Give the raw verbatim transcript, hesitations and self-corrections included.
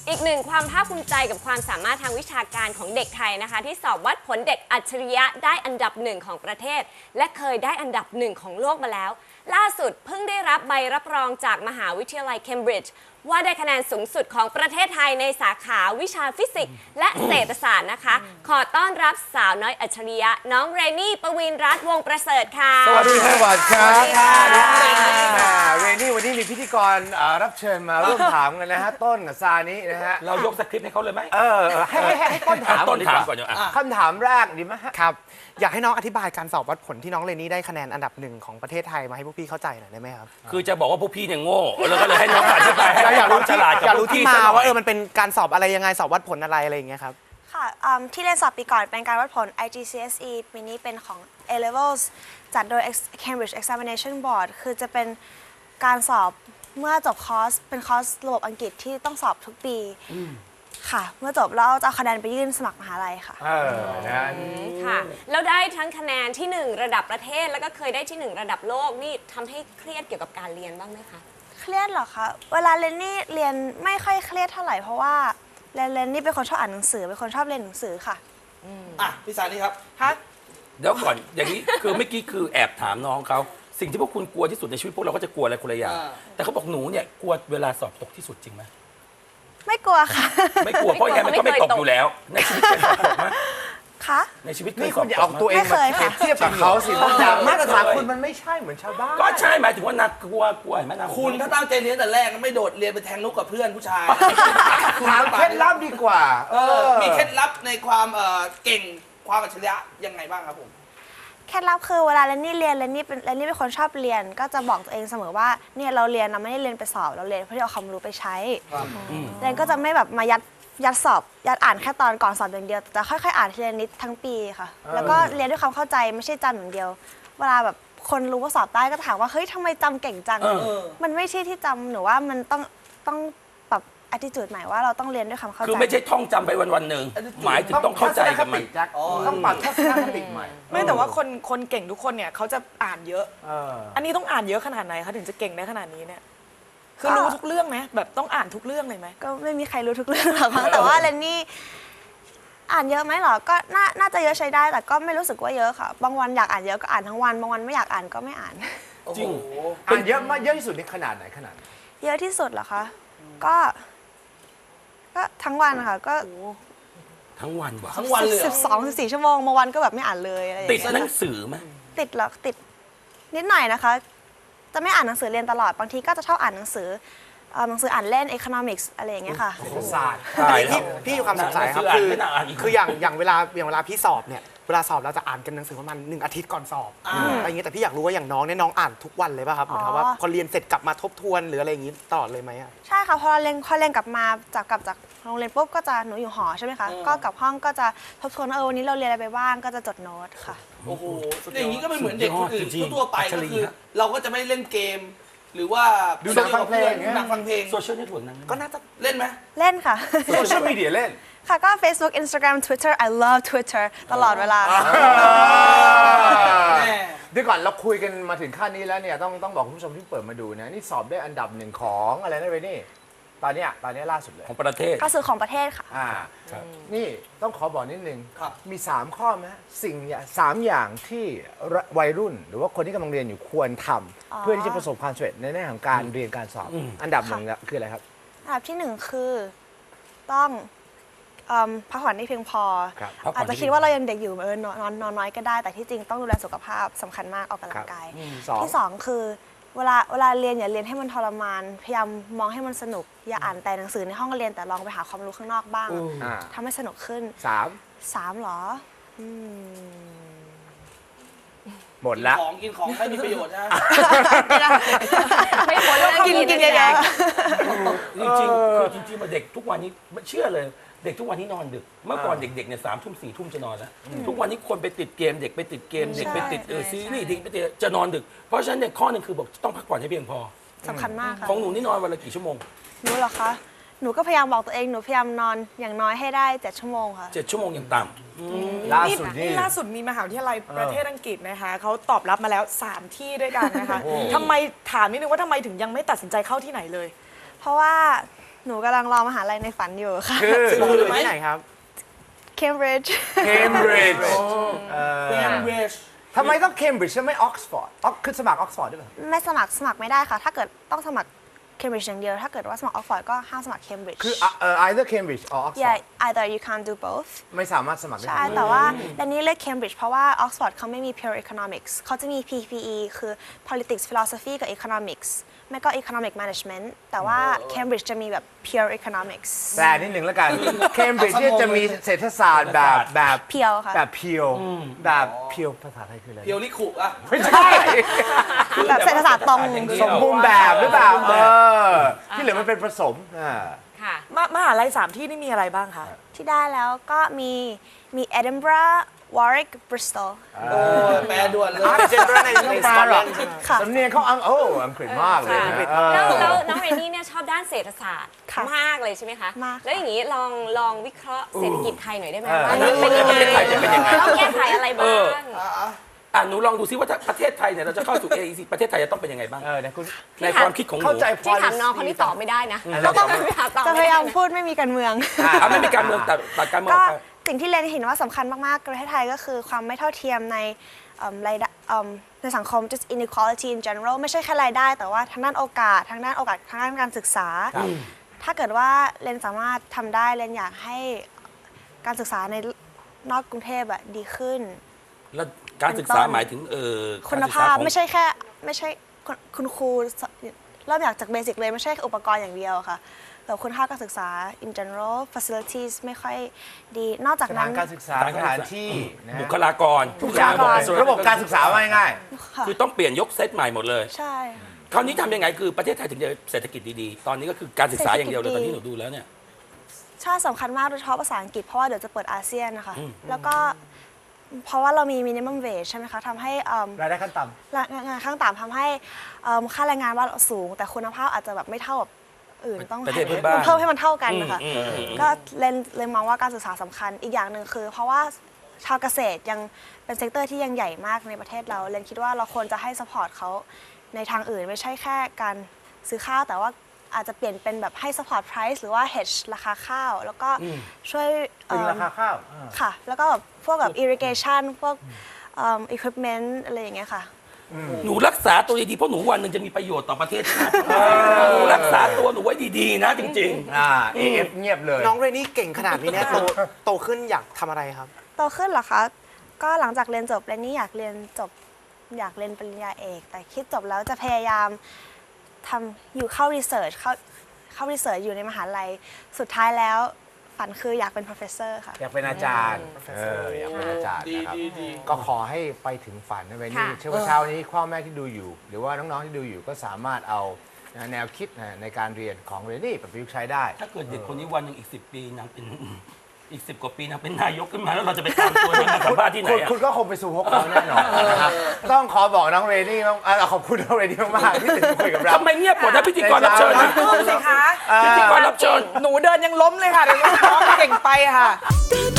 อีกหนึ่งความภาคภูมิใจกับความสามารถทางวิชาการของเด็กไทยนะคะที่สอบวัดผลเด็กอัจฉริยะได้อันดับหนึ่งของประเทศและเคยได้อันดับหนึ่งของโลกมาแล้วล่าสุดเพิ่งได้รับใบรับรองจากมหาวิทยาลัยเคมบริดจ์ว่าได้คะแนนสูงสุดของประเทศไทยในสาขาวิชาฟิสิกส์และเศรษฐศาสตร์นะคะขอต้อนรับสาวน้อยอัจฉริยะน้องเรนนี่ปวีณรัตน์วงศ์ประเสริฐค่ะสวัสดีครับสวัสดีครับสวัสดีค่ะเรนนี่วันนี้มีพิธีกรรับเชิญมาร่วมถามกันนะฮะต้นกับซานินะฮะเรายกสคริปต์ให้เขาเลยไหมเออให้ให้ให้ต้นถามต้นถามก่อนเดี๋ยวคำถามแรกดีไหมฮะครับอยากให้น้องอธิบายการสอบวัดผลที่น้องเรนนี่ได้คะแนนอันดับหนึ่งของประเทศไทยมาให้พวกพี่เข้าใจหน่อยได้ไหมครับคือจะบอกว่าพวกพี่เนี่ยโง่แล้วก็เลยให้น้องอธิบายให้อยากครู้วามฉที่ลาดอยากรู้ที่มาว่าเออมันมันเป็นการสอบอะไรยังไงสอบวัดผลอะไรอะไรอย่างเงี้ยครับค่ะที่เรียนสอบปีก่อนเป็นการวัดผล ไอ จี ซี เอส อี ปีนี้เป็นของ A Levels จัดโดย Cambridge Examination Board คือจะเป็นการสอบเมื่อจบคอร์สเป็นคอร์สระบบอังกฤษที่ต้องสอบทุกปีค่ะเมื่อจบแล้วจะเอาคะแนนไปยื่นสมัครมหาลัยค่ะเออนะค่ะแล้วได้ทั้งคะแนนที่หนึ่งระดับประเทศแล้วก็เคยได้ที่หนึ่งระดับโลกนี่ทำให้เครียดเกี่ยวกับการเรียนบ้างไหมคะเครียดเหรอคะเวลาเรียนนี่เรียนไม่ค่อยเครียดเท่าไหร่เพราะว่าเรียนเรียนนี่เป็นคนชอบอ่านหนังสือเป็นคนชอบเรียนหนังสือค่ะอ่ะพี่สานี่ครับฮะเดี๋ยวก่อนอย่างนี้คือเมื่อกี้คือแอบถามน้องเขาสิ่งที่พวกคุณกลัวที่สุดในชีวิตพวกเราก็จะกลัวอะไรคนละอย่างแต่เขาบอกหนูเนี่ยกลัวเวลาสอบตกที่สุดจริงไหมไม่กลัวค่ะไม่กลัวเพราะยังไงมันก็ไม่ตกอยู่แล้วในชีวิตเคยสอบตกไหมคะในชีวิตเคยนี่สคุอบณอย่าตเอากไหมตัวเองมาเปรียบเทียบกับเขาสิบางอย่างมาตรฐานคุณมันไม่ใช่เหมือนชาวบ้านก็ใช่หมายถึงว่านักกลัวกลัวเห็นไหมนะคุณถ้าตั้งใจเรียนแต่แรกก็ไม่โดดเรียนไปแทงนุกกับเพื่อนผู้ชายถามเคล็ดลับดีกว่าเออมีเคล็ดลับในความเอ่อเก่งความอัจฉริยะยังไงบ้างครับผมเคล็ดลับคือเวลาเรนนี่เรียนเรนนี่เป็นเรนนี่เป็นคนชอบเรียนก็จะบอกตัวเองเสมอว่าเนี่ยเราเรียนเราไม่ได้เรียนไปสอบเราเรียนเพื่อที่เอาความรู้ไปใช้เรนก็จะไม่แบบมายัดยัดสอบยัดอ่านแค่ตอนก่อนสอบอย่างเดียวแต่ค่อยๆอ่านทีละนิดทั้งปีค่ะแล้วก็เรียนด้วยความเข้าใจไม่ใช่จำอย่างเดียวเวลาแบบคนรู้ว่าสอบได้ก็ถามว่าเฮ้ยทำไมจำเก่งจังมันไม่ใช่ที่จำหนูว่ามันต้องต้องปรับ attitude ใหม่ว่าเราต้องเรียนด้วยความเข้าใจคือไม่ใช่ท่องจำไปวันวันหนึ่งหมายถึงต้องเข้าใจกับมันต้องปรับทัศนคติใหม่ไม่แต่ว่าคนคนเก่งทุกคนเนี่ยเขาจะอ่านเยอะเอออันนี้ต้องอ่านเยอะขนาดไหนคะถึงจะเก่งได้ขนาดนี้เนี่ยคือรู้ทุกเรื่องไหมแบบต้องอ่านทุกเรื่องเลยไหมก็ไม่มีใครรู้ทุกเรื่องหรอกมั้งแต่ว่าเรนนี่อ่านเยอะไหมหรอก็น่าน่าจะเยอะใช้ได้แต่ก็ไม่รู้สึกว่าเยอะค่ะบางวันอยากอ่านเยอะก็อ่านทั้งวันบางวันไม่อยากอ่านก็ไม่อ่านจริงอ่านเยอะมากเยอะที่สุดในขนาดไหนขนาดเยอะที่สุดเหรอคะก็ก็ทั้งวันค่ะก็ทั้งวันวะทั้งวันเลยสิบสองสิบสี่ชั่วโมงบางวันก็แบบไม่อ่านเลยอะไรอย่างติดเงี้ยหนังสือไหมติดหรอติดนิดหน่อยนะคะจะไม่อ่านหนังสือเรียนตลอดบางทีก็จะชอบอ่านหนังสือหนังสืออ่านเล่น economics อะไรอย่างเงี้ยค่ะศาสตร์พี่พี่มีความสงสัยครับคือคืออย่างอย่างเวลาอย่างเวลาพี่สอบเนี่ยเวลาสอบเราจะอ่านกันหนังสือประมาณหนึ่งอาทิตย์ก่อนสอบอะไรอย่างเงี้ยแต่พี่อยากรู้ว่าอย่างน้องเนี่ยน้องอ่านทุกวันเลยป่ะครับเหมือนกับว่าพอเรียนเสร็จกลับมาทบทวนหรืออะไรอย่างงี้ตลอดเลยไหมอ่ะใช่ค่ะพอเราเรียนพอเรียนกลับมาจากกลับจากโรงเรียนปุ๊บก็จะหนูอยู่หอใช่ไหมคะก็กลับห้องก็จะทบทวนเออวันนี้เราเรียนอะไรไปบ้างก็จะจดโน้ตค่ะโอ้โหอย่างนี้ก็ไม่เหมือนเด็กคนอื่นทั่วไปก็คือเราก็จะไม่เล่นเกมหรือว่าดูหนังฟังเพลงหนังฟังเพลงโซเชียลเน็ตเวิร์กนั้นก็น่าจะเล่นไหมเล่นค่ะโซเชียลมีเดียเล่นค่ะก็ Facebook Instagram Twitter I love Twitter ตลอดเวลาเดี๋ยวก่อนเราคุยกันมาถึงขั้นนี้แล้วเนี่ยต้องต้องบอกคุณผู้ชมที่เปิดมาดูนะนี่สอบได้อันดับหนึ่งของอะไรนะเรนนี่ตอนเนี้ยตอนนี้ล่าสุดเลยของประเทศก็คือของประเทศค่ะอ่านี่ต้องขอบอกนิดนึงมีสามข้อไหมสิ่งสามอย่างที่วัยรุ่นหรือว่าคนที่กำลังเรียนอยู่ควรทำเพื่อที่จะประสบความสำเร็จในแง่ของการเรียนการสอบอันดับหนึ่งคืออะไรครับอันดับที่หนึ่งคือต้องพักผ่อนให้เพียงพออาจจะคิดว่าเรายังเด็กอยู่เออนอนนอนน้อยก็ได้แต่ที่จริงต้องดูแลสุขภาพสำคัญมากออกกำลังกายที่สองคือเวลาเวลาเรียนอย่าเรียนให้มันทรมานพยายามมองให้มันสนุกอย่าอ่านแต่หนังสือในห้องเรียนแต่ลองไปหาความรู้ข้างนอกบ้างทำให้สนุกขึ้นสามสามหรอหมดละของกินของให้มีประโยชน์นะไม่พ้นแล้วกินกินเยอะจริงจริงคือจริงๆมาเด็กทุกวันนี้เชื่อเลยเด็กทุกวันนี้นอนดึกเมื่อก่อนเด็กๆเนี่ยสามทุ่มสี่ทุ่มจะนอนแล้วทุกวันนี้คนไปติดเกมเด็กไปติดเกมเด็กไปติดซีรีส์เด็กไปติดจะนอนดึกเพราะฉะนั้นเนี่ยข้อหนึ่งคือบอกต้องพักผ่อนให้เพียงพอสำคัญมากค่ะของหนูนี่นอนวันละกี่ชั่วโมงหนูเหรอคะหนูก็พยายามบอกตัวเองหนูพยายามนอนอย่างน้อยให้ได้เจ็ดชั่วโมงค่ะเจ็ดชั่วโมงอย่างต่ำล่าสุดนี่ล่าสุดมีมหาวิทยาลัยประเทศอังกฤษนะคะเขาตอบรับมาแล้วสามที่ด้วยกันนะคะทำไมถามนิดนึงว่าทำไมถึงยังไม่ตัดสินใจเข้าที่ไหนเลยเพราะว่าหนูกำลังรอมหาลัยในฝันอยู่ค่ะคือซึ่งเราอยู่ที่ไหนครับ Cambridge เคมบริดจ์แคมเบริดจ์ทำไมต้องเคมบริดจ์และไม่ออกซฟอร์ดคือสมัครออกซฟอร์ดด้วยเหรอไม่สมัครสมัครไม่ได้ค่ะ ถ้าเกิดต้องสมัคร Cambridge อย่างเดียว ถ้าเกิดว่าสมัคร Oxford ก็ห้ามสมัคร Cambridge คือเอ่อ either Cambridge or Oxford yeah either you can't do both ไม่สามารถสมัครได้ใช่ แต่ว่าแดนนี่เลือก Cambridge เพราะว่า Oxford เขาไม่มี pure economics เขาจะมี พี พี อี คือ politics philosophy กับ economics ไม่ก็ economic management แต่ว่า Cambridge จะมีแบบ pure economics แปลนิดหนึ่งแล้วกัน เคมบริดจ์เนี่ยจะมีเศรษฐศาสตร์แบบแบบเพียวค่ะแบบเพียวแบบเพียวภาษาไทยคืออะไรเพียวลิคุอ่ะไม่ใช่แบบเศรษฐศาสตร์ตรงอย่างเดียวสมบูรณ์แบบหรือเปล่าเออที่เหลือมันเป็นผสมอ่าค่ะมมหาลัยสามที่นี่มีอะไรบ้างคะที่ได้แล้วก็มีมี Edinburgh Warwick Bristol โอ้ยแปลด่วนเลยเจนเดอร์ในในสกอตแลนด์ค่ะสำเนียงเขาอังโอ้อังกฤษมากเลยนะเออแล้วแล้วน้องเรนนี่เนี่ยชอบด้านเศรษฐศาสตร์ค่ะมากเลยใช่ไหมคะมากค่ะแล้วอย่างนี้ลองลองวิเคราะห์เศรษฐกิจไทยหน่อยได้ไหมเออว่าเป็นยังไงประเทศไทยจะเป็นยังไงต้องแก้ไขอะไรบ้างอ่ะหนูลองดูซิว่าถ้าประเทศไทยเนี่ยเราจะเข้าสู่ เอ อี ซี ประเทศไทยจะต้องเป็นยังไงบ้างเออเนี่ยคุณในความคิดของหนูเข้าใจที่ถามน้องคนนี้ตอบไม่ได้นะเราต้องไปหาตอบจะพไม่ยาได้ยามนะพูดไม่มีการเมืองอ่ะไม่มีการเมืองแต่ตัดการเมืองอก็อกไปสิ่งที่เรนเห็นว่าสำคัญมากๆประเทศไทยก็คือความไม่เท่าเทียมในเอิ่มรายได้เอิ่มในสังคม just inequality in general ไม่ใช่แค่รายได้ แต่ว่าทางด้านโอกาสทางด้านโอกาสทางด้านการศึกษา ถ้าเกิดว่าเรนสามารถทำได้เรนอยากให้การศึกษาในนอกกรุงเทพอะดีขึ้นแล้วการศึกษาหมายถึงเออคุณกรศึกษภาพของไม่ใช่แค่ไม่ใช่คุณคุณครูเริ่มอยากจากเบสิกเลยไม่ใช่อุปกรณ์อย่างเดียวค่ะแต่คุณภาพการศึกษา in general facilities ไม่ค่อยดีนอกจากสนั้ถานนการศึกษาสถานที่นะฮะบุคลากรทุกอย่างบุคลากรระบบการศึกษาว่าง่ายค่ะคือต้องเปลี่ยนยกเซตใหม่หมดเลยใช่คราวนี้ทำยังไงคือประเทศไทยถึงจะเศรษฐกิจดีๆ ตอนนี้ก็คือการศึกษาอย่างเดียวเลยตอนที่หนูดูแล้วเนี่ยชาติสำคัญมากโดยเฉพาะภาษาอังกฤษเพราะว่าเดี๋ยวจะเปิดอาเซียนนะคะ แล้วก็เพราะว่าเรามี minimum wage ใช่ไหมคะทำให้เอิ่มๆรายได้ขั้นต่แรงงานขั้นต่ำทำให้เอิ่มค่าแรงงานว่าเราสูง แต่คุณภาพอาจจะแบบไม่เท่ากับอื่นต้องประเทศเพื่อนบ้านเพิ่มให้มันเท่ากันนะคะอืมอืมอืมก็เลนเลยมองว่าการศึกษาสำคัญอีกอย่างหนึ่งคือ เพราะว่าชาวเกษตรยังเป็นเซกเตอร์ที่ยังใหญ่มากในประเทศเราเลนคิดว่าเราควรจะให้ support เขาในทางอื่นไม่ใช่แค่การซื้อข้าวแต่ว่าอาจจะเปลี่ยนเป็นแบบให้ support price หรือว่า hedge ราคาข้าว แล้วก็ช่วยำตึงเอิ่มราคาข้าวอ่าค่ะ แล้วก็แบบพวกแบบ irrigation พวกเอิ่ม equipment อะไรอย่างเงี้ยค่ะหนูรักษาตัวดีๆเพราะหนูวันหนึ่งจะมีประโยชน์ต่อประเทศชาติหนูรักษาตัวหนูไว้ดีๆนะจริงอ่า เอ เอฟ เงียบเลยน้องเรนนี่เก่งขนาดนี้เนี่ยโตโตขึ้นอยากทำอะไรครับโตขึ้นเหรอคะ ก็หลังจากเรียนจบเรนนี่อยากเรียนจบอยากเรียนปริญญาเอก แต่คิดจบแล้วจะพยายามทำอยู่เข้า research เข้าเข้า research อยู่ในมหาลัย สุดท้ายแล้วฝันคืออยากเป็น professor ค่ะอยากเป็นอาจารย์เอออยากเป็นอาจารย์ดีนะครับดีดีก็ขอให้ไปถึงฝันนะเวนนี่ค่ะเชื่อว่าเช้านี้พ่อแม่ที่ดูอยู่ หรือว่าน้องๆที่ดูอยู่ก็สามารถเอาแนวคิดนะในการเรียนของเรนนี่ไปประยุกต์ใช้ได้ๆ ถ้าเกิดเด็กคนนี้วันหนึ่งอีกสิบปีนางเป็นอีกสิบกว่าปีนางเป็นนายกขึ้นมาแล้วเราจะไปตามตัวนางมาสัมภาษณ์ที่ไหนคุณอะคุณก็คงไปสู่พวกเขาแน่นอนนะครับต้องขอบอกน้องเรนนี่มากเอ่อขอบคุณน้องเรนนี่มากๆที่ตื่นมาคุยกับเราทำไมเงียบหมดนะพิธีกรรับเชิญนะพูดสิคะพิธีกรรับเชิญหนูเดินยังล้มเลยค่ะเดี๋ยวน้องเก่งไปค่ะตื่น